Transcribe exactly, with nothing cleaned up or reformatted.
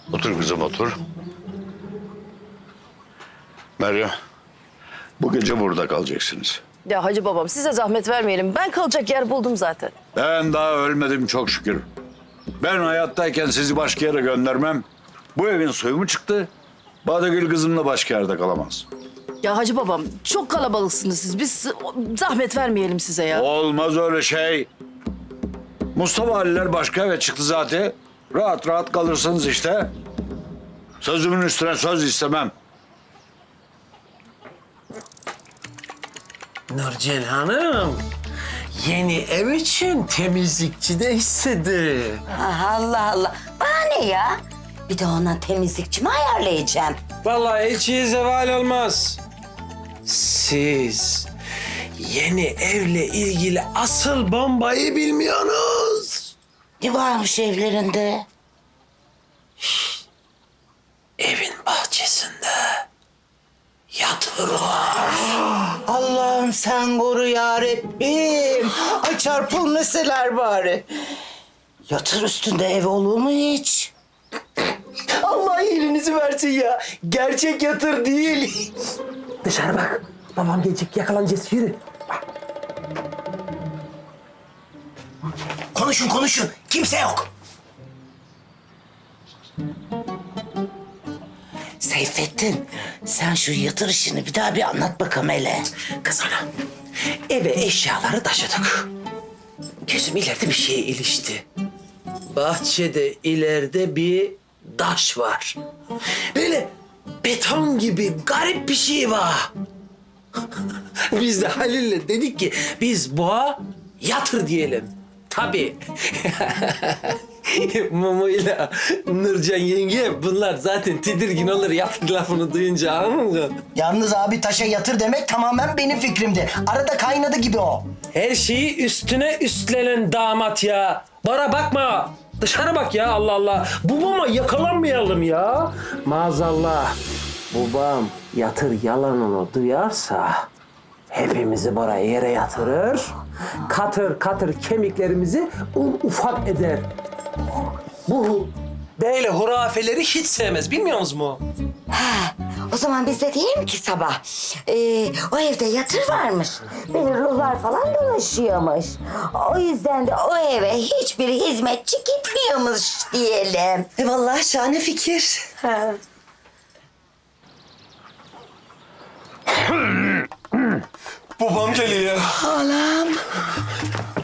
Otur kızım otur. Meryem, bu gece burada kalacaksınız. Ya hacı babam size zahmet vermeyelim. Ben kalacak yer buldum zaten. Ben daha ölmedim çok şükür. Ben hayattayken sizi başka yere göndermem. Bu evin suyu mu çıktı? Badegül kızımla başka yerde kalamaz. Ya hacı babam çok kalabalıksınız siz. Biz zahmet vermeyelim size ya. Olmaz öyle şey. Mustafa Aliler başka eve çıktı zaten. Rahat rahat kalırsınız işte. Sözümün üstüne söz istemem. Nurcan Hanım, yeni ev için temizlikçi de istedi. Ah, Allah Allah. Bana ne ya? Bir de ona temizlikçi mi ayarlayacağım? Vallahi elçiye zeval olmaz. Siz yeni evle ilgili asıl bombayı bilmiyorsunuz. Ne varmış evlerinde? Evin bahçesinde yatır var. Allah'ım sen koru yarabbim. Ay çarpılmeseler bari. Yatır üstünde ev olur mu hiç? Allah iyiliğinizi versin ya. Gerçek yatır değil. Dışarı bak. Babam gelecek, yakalanacağız. Yürü. Konuşun konuşun. Kimse yok. Seyfettin sen şu yatır işini bir daha bir anlat bakalım hele. Kız ana, eve eşyaları taşıdık. Gözüm ileride bir şeye ilişti. Bahçede ileride bir taş var. Böyle beton gibi garip bir şey var. Biz de Halil'le dedik ki biz boğa yatır diyelim. Tabii. Mumu'yla Nurcan yenge bunlar zaten tedirgin olur yatır lafını duyunca, anladın mı? Yalnız abi taşa yatır demek tamamen benim fikrimdi. Arada kaynadı gibi o. Her şeyi üstüne üstlenen damat ya. Bana bakma. Dışarı bak ya, Allah Allah. Babama yakalanmayalım ya. Maazallah. Babam yatır yalanını duyarsa hepimizi buraya yere yatırır. Katır katır kemiklerimizi un ufak eder. Bu böyle hurafeleri hiç sevmez, bilmiyor musunuz mu? Ha, o zaman biz de diyelim ki sabah. Ee, o evde yatır varmış. Böyle ruhlar falan dolaşıyormuş. O yüzden de o eve hiçbir hizmetçi gitmiyormuş diyelim. E vallahi şahane fikir. Ha. Babam geliyor. Anam.